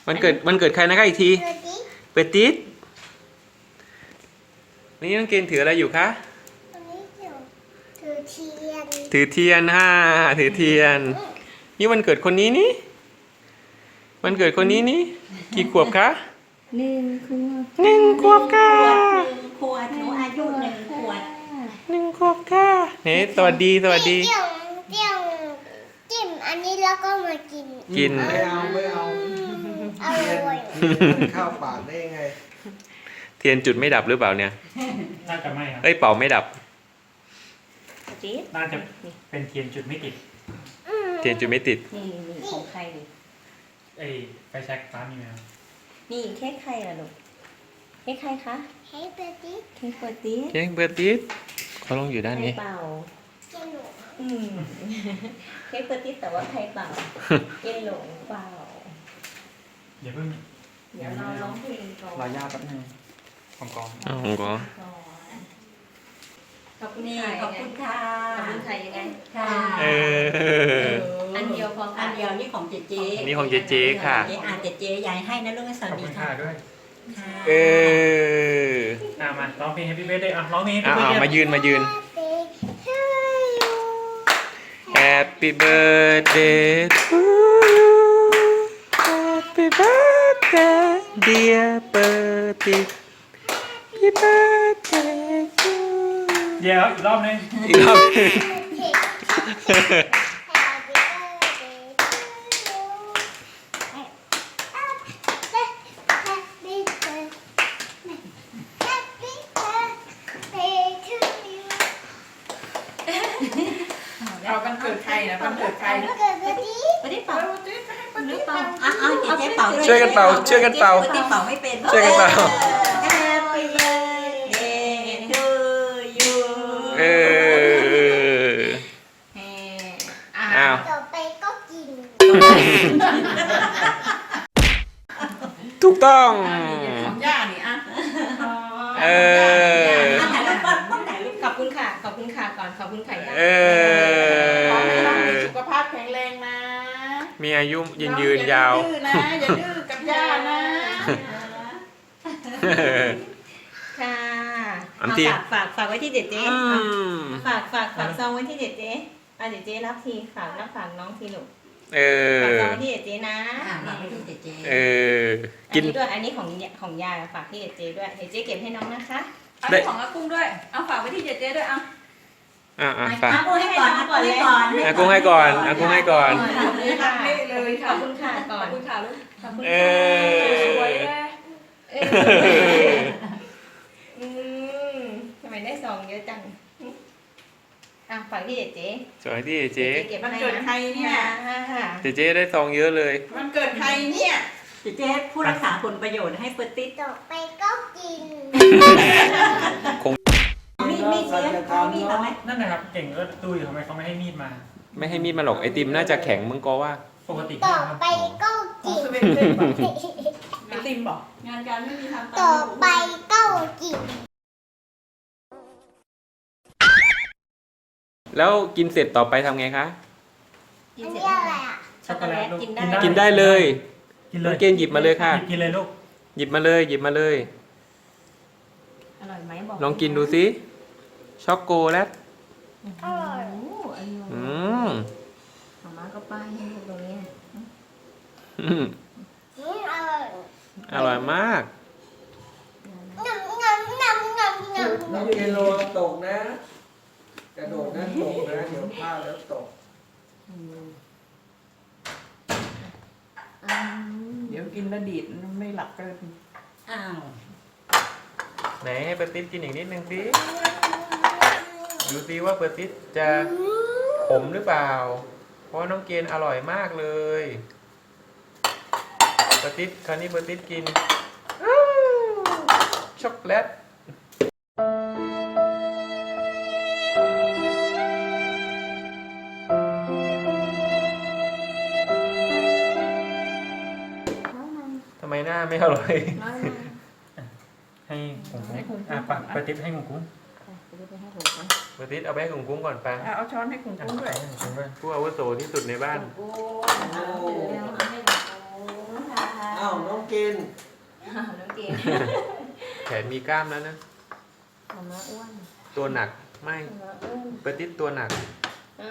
วันเกิดใครนะครับอีกทีเปิดติ๊ดนี่น้องเกณฑ์ถืออะไรอยู่คะถือเทียนถือเทียนนี่วันเกิดคนนี้นี่วันเกิดคนนี้นี่กี่ขวบคะ1 ขวบค่ะ 1 ขวบหนูอายุ1 ขวบ 1 ขวบค่ะเฮ้สวัสดีจิ้มอันนี้แล้วก็มากินไม่เอาอร่อยข้าวปากได้ยังไงเทียนจุดไม่ดับหรือเปล่าเนี่ยน่าจะไม่ครับเป่าไม่ดับน่าจะเป็นเทียนจุดไม่ติดเทียนจุดไม่ติดนี่ของใครดิไฟแช็กฟ้ามีไหมครับนี่เค้กใครล่ะลูกเค้กใครคะเค้กเบอร์ตี้เค้กเบอร์ตี้เขาลงอยู่ด้านนี้เป่าเค้กเบอร์ตี้แต่ว่าใครเป่าเย็นหลงเป่าอย่าเพิ่งเดี๋ยวเราร้องเพลงก่อนรอย่าแป๊บนึงของกองขอบคุณค่ะขอบคุณค่ะยังไงค่ะอันเดียวพออันเดียวนี่ของเจ๊นี่ของเจ๊ค่ะเจ๊ยายให้นะลูกสวัสดีค่ะด้วยมาร้องเพลง Happy Birthday ร้องเพลง Happy Birthday มายืน Happy birthday to you Happy birthday dear Bertie Happy birthday to you เดี๋ยวอีกรอบนึงเอาวันเกิดใครนะวันเกิดใครนะไม่ได้เป่าหรือเป่าเจ๊เป่าด้วยช่วยกันเป่าเป่าไม่เป็นช่วยกันเป่า Happy birthday to you ต่อไปก็กินถูกต้องของย่านี่ถ่ายรูปขอบคุณค่ะก่อนขอบคุณค่ะย่าขอให้น้องมีสุขภาพแข็งแรงนะมีอายุยืนยาวอย่าดื้อกับย่านะค่ะฝากไว้ที่เด็ดเจ๊ฝากซองไว้ที่เด็ดเจ๊เด็ดเจ๊รับทีฝากน้องทีลูกฝากซองไว้ที่เด็ดเจ๊นะฝากไว้ที่เด็ดเจ๊กินด้วยอันนี้ของยายฝากที่เด็ดเจ๊ด้วยเด็ดเจ๊เก็บให้น้องนะคะอันนี้ของอากุ้งด้วยเอาฝากไว้ที่เด็ดเจ๊ด้วยฝากอากุ้งให้ก่อนอากุ้งให้ก่อนขอบคุณค่ะก่อนขอบคุณค่ะลูกขอบคุณค่ะสวยเลยทำไมได้ซองเยอะจังฝากที่เจ๊สวยที่เจ๊วันเกิดใครเนี่ยเจ๊ได้ซองเยอะเลยวันเกิดใครเนี่ยเจ๊ผู้รักษาผลประโยชน์ให้เปิดติ๊ดต่อไปก็กินมีเสียมีไหมนั่นนะครับเก่งก็ดูอยู่ทำไมเขาไม่ให้มีดมาไม่ให้มีดมาหรอกไอติมน่าจะแข็งมึงก็ว่าปกติต่อไปก็กินไอติมบอกงานการไม่มีทำต่อไปก็กินแล้วกินเสร็จต่อไปทำไงคะกินเสร็จอะไรช็อกโกแลตกินได้เลยเกณฑ์หยิบมาเลยค่ะกินเลยลูกหยิบมาเลยอร่อยไหมบอกลองกินดูสิช็อกโกแลตอร่อยมาก็ป้ายให้ตรงนี้อร่อยมากน้องเกโลตกนะกระโดดนะตกนะเดี๋ยวพลาดแล้วตกเดี๋ยวกินแล้วดีดไม่หลับก็ไหนให้เปิดติ๊ดกินอีกนิดนึงสิดูสิว่าเปิดติ๊ดจะขมหรือเปล่าเพราะน้องเกณฑ์อร่อยมากเลยเปิดติ๊ดคราวนี้เปิดติ๊ดกินช็อกโกแลตทำไมหน้าไม่อร่อยให้กุ้งปฏิทินให้กุ้งปฏิทินเอาไปให้กุ้งก่อนไปเอาช้อนให้กุ้งด้วยผู้อาวุโสที่สุดในบ้านอ้าวน้องกินน้องเกดแขนมีกล้ามแล้วนะมาม่าอ้วนตัวหนักไม่มาม่าอ้วนเปิดติดตัวหนักอื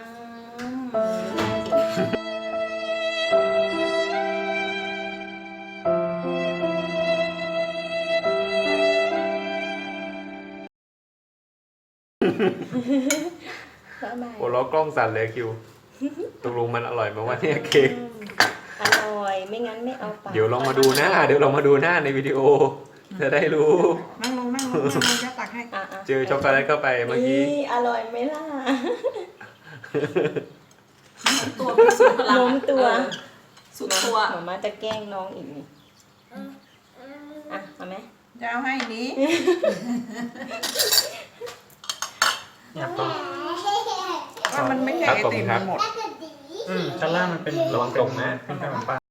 ม บ๊ายบายโอ้ล้อกล้องสั่นเลยคิวตกลงมันอร่อยไหมวะเนี่ยเค้กอร่อย ไม่งั้นไม่เอาปากเดี๋ยวลองมาดูหน้า เดี๋ยวลองมาดูหน้าในวิดีโอ จะได้รู้นั่งลงจะตักให้อ่ะเจอช็อกโกแลตเข้าไปเมื่อกี้อร่อยไหมล่ะตัวพิสูจน์พลังล้มตัวสุดตัวหมาม่าจะแกล้งน้องอีกนี่อ่ะเอาไหมจะเอาให้นี้เนี่ยต้องว่ามันไม่ใช่ครับไอผมติมครับหมดแล้วก็ดีชั้นล่างมันเป็นระวังตกนะเป็นขนมปัง